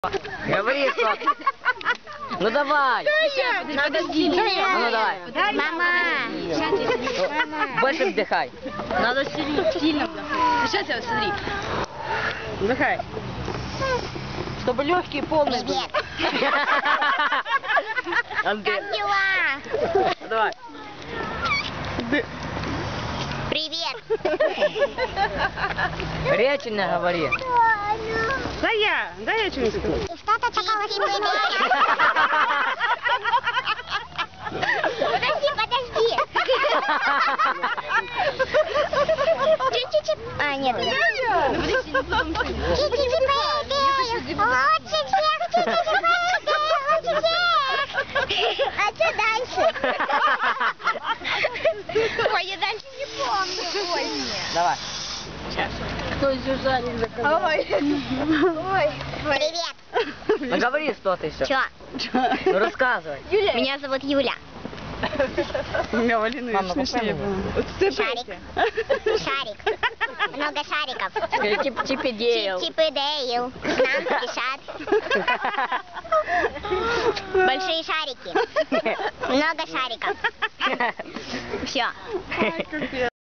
Говори что. Ну давай. Подожди. Ну давай. Мама. Больше вдыхай. Надо сильно вдохнуть. Сейчас я смотри. Вдыхай. Чтобы легкие полные были. Привет. Андрей. Как дела? Давай. Привет. Речи не говори. Дай я что-нибудь скажу. Что-то чакала Подожди. Чуть-чуть. А, нет. Чуть-чуть прыгаю. Лучше всех. Чуть-чуть прыгаю. Лучше всех. А что дальше? Ой, я дальше не помню. Ой, нет. Давай. Кто Сюзанне заказал? Ой. Привет. Ну говори что-то еще. Чё? Ну рассказывай. Меня зовут Юля. У меня Валина Мама, смешнее попробуй. было. Шарик. Шарик. Много шариков. Чип и Дейл. Чип и Дейл. К нам спешат. Большие шарики. Много шариков. Все.